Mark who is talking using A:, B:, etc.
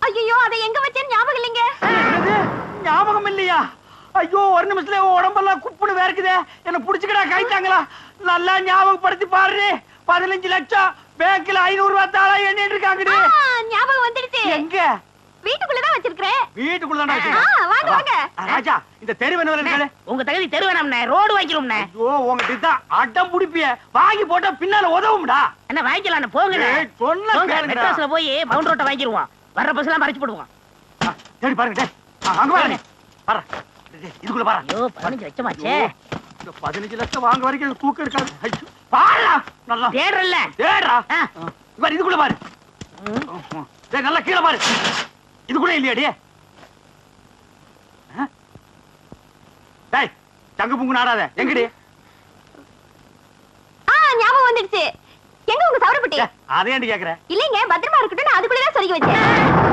A: ஐயோ அதை எங்க வச்சேன்னு ஞாபகம் இல்லைங்க.
B: ஞாபகம் இல்லையா? ஐயோ ஒரு நிமிஷத்துல உடம்பெல்லாம் குப்புன்னு வேர்க்குதே. என்ன புடிச்சுக்கடா கைத்தாங்களா? நல்லா ஞாபகப்படுத்தி பாரு. 15 லட்சம் பேங்க்ல 500 ரூபாய் தாளா எண்ணிட்டு இருக்காங்கடி.
A: ஞாபகம் வந்துடுச்சு.
B: எங்க?
A: வீட்டுக்குள்ளதான் வச்சிருக்கேன்.
B: வீட்டுக்குள்ளதான் வச்சிருக்கேன்.
A: வாங்க வாங்க.
B: ராஜா இந்த தெரு வேணும்ல.
C: உங்க தகுதி தெரு வேணாம்ண்ணே, ரோடு வாங்கிடும்ண்ணே.
B: ஐயோ உங்ககிட்ட தான் அடம் புடிப்பிய. வாங்கி போட்டா பின்னால உதவும்டா.
C: என்ன வாங்கிக்கலாம் போங்க.
B: சொன்ன கேளுங்கடா.
C: மெட்ராஸ்ல போய் பவுண்ட் ரோட்ட வாங்கிடுவோம். வர்ற பஸ் எல்லாம் மறைச்சு போடுவோம்.
B: தேடி பாருங்க டேய். அங்க பாருங்க. பாரு. இதுக்குள்ள பாரு.
C: ஐயோ 15 லட்சமாச்சே.
B: இந்த 15 லட்சம் வாங்க வரைக்கும் தூக்கம் இருக்காது. ஐயோ பாருடா. நல்லா
C: தேடுறல்ல.
B: தேடுடா. பாரு இதுக்குள்ள பாரு. டேய் நல்லா கீழ பாரு. இதுக்குள்ள இல்லையாடி? டேய் தங்க புங்கு நாடாத. எங்கடி?
A: ஞாபகம் வந்துடுச்சு. எங்க உங்க சவரப்பட்டி?
B: அதை ஏன்டி கேக்குற?
A: இல்லைங்க பத்திரமா இருக்கட்டும், நான் அதுக்குள்ளதான் சொருகி வச்சேன்.